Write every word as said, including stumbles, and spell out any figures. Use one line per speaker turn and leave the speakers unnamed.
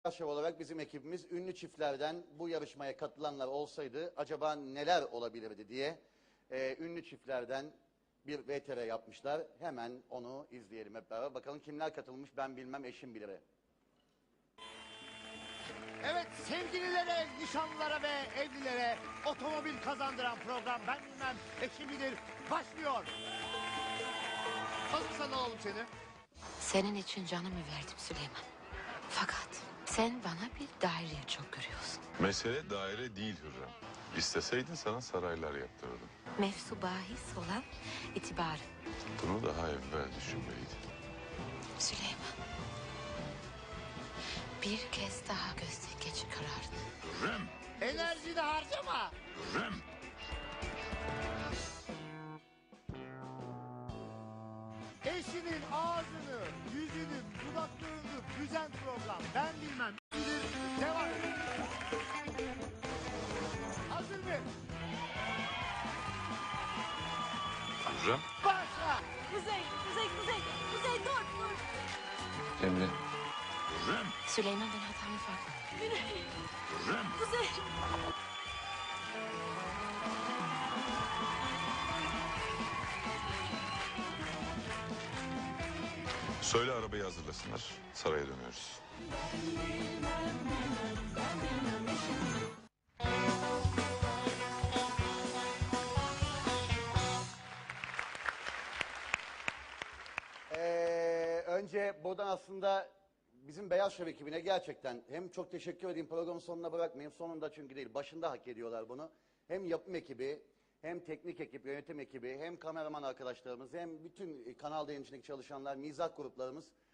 Şov olarak bizim ekibimiz ünlü çiftlerden bu yarışmaya katılanlar olsaydı acaba neler olabilirdi diye e, ünlü çiftlerden bir V T R yapmışlar. Hemen onu izleyelim hep beraber. Bakalım kimler katılmış, ben bilmem, eşim bilir.
Evet, sevgililere, nişanlılara ve evlilere otomobil kazandıran program Ben Bilmem Eşim Bilir başlıyor. Hazırsan alalım seni.
Senin için canımı verdim Süleyman. Fakat sen bana bir daireye çok görüyorsun.
Mesele daire değil Hürrem. İsteseydin sana saraylar yaptırırdım.
Mevzu bahis olan itibarın.
Bunu daha evvel düşünmeliydin.
Süleyman. Bir kez daha gözden geçir kararını.
Hürrem!
Enerjini harcama.
Hürrem!
Eşinin ağzını, yüzünü, dudaklarını büzen program Ben Bilmem Bilir devam. Hazır mı?
Hürrem!
Başla.
Kuzey, Kuzey, Kuzey, Kuzey dur, dur.
Emre! Hürrem!
Süleyman, ben hatamı fark ettim.
Hürrem!
Kuzey.
Söyle arabayı hazırlasınlar. Saraya dönüyoruz.
Ee, önce buradan aslında bizim Beyaz Şov ekibine gerçekten hem çok teşekkür edeyim, programın sonuna bırakmayayım, sonunda çünkü değil, başında hak ediyorlar bunu. Hem yapım ekibi, hem teknik ekip, yönetim ekibi, hem kameraman arkadaşlarımız, hem bütün kanal yayıncılığındaki çalışanlar, mizah gruplarımız